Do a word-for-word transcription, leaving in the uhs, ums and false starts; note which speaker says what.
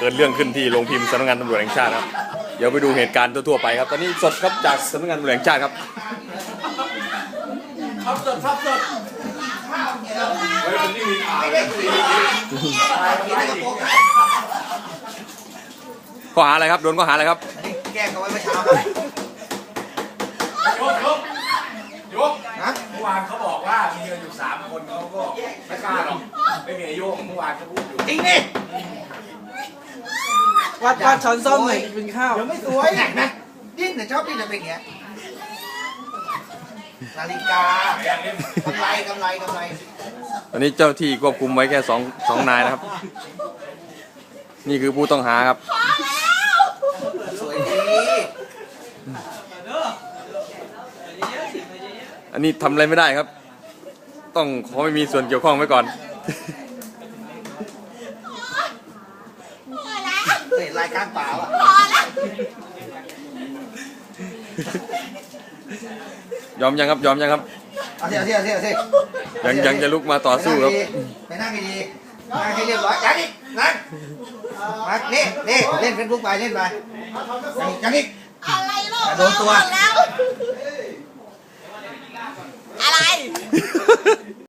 Speaker 1: กิดเรื่องขึ้นที่โรงพิมพ์สำนักงานตำรวจแห่งชาติครับเดี๋ยวไปดูเหตุการณ์ทั่วๆไปครับตอนนี้สดครับจากสำนักงานตำรวจแห่งชาติครับ
Speaker 2: ครับสดครับสดเฮ้ยมันนี่มีข่าวเลย
Speaker 1: ข้อหาอะไรครับโดนข้อหาอะไรครับ
Speaker 3: แกล้งเอาไว้เมื่อเช้าไป
Speaker 2: ยกยกยกนะเมื่อวานเขาบอกว่ามีกันอยู่สามคนเขาก็ไม่กล้าหรอกไม่มีอายุเมื่อวานเขาพูดอยู่
Speaker 3: จริงดิ
Speaker 4: วัดวัดช้อนส้มหน่อยกินข้าว
Speaker 3: เดี๋ยวไม่สวยหนักนะดิ้นแต่ชอบดิ้นจะเป็นอย่างเงี้ยนาฬิกากำไรกำไรกำไร
Speaker 1: ตอนนี้เจ้าที่ควบคุมไว้แค่สองสองนายนะครับนี่คือผู้ต้องหาครับ
Speaker 3: สวยดี
Speaker 1: อันนี้ทำอะไรไม่ได้ครับต้องขอไม่มีส่วนเกี่ยวข้องไว้ก่อน
Speaker 3: เห็นรายการเปล่าอ่ะ
Speaker 1: ยอมยังครับยอมยังครับ
Speaker 3: เอาสิเอาสิเอาสิเอาสิ
Speaker 1: ยังยังจะลุกมาต่อสู้ครับ
Speaker 3: ไปนั่งดีๆนั่งให้เรียบร้อยยังอีกนั่งมานี่นี่เล่นเฟซบุ๊กไปเล่นไปยังอีก
Speaker 5: อะไรลูก
Speaker 3: โดนตัว
Speaker 5: อะไร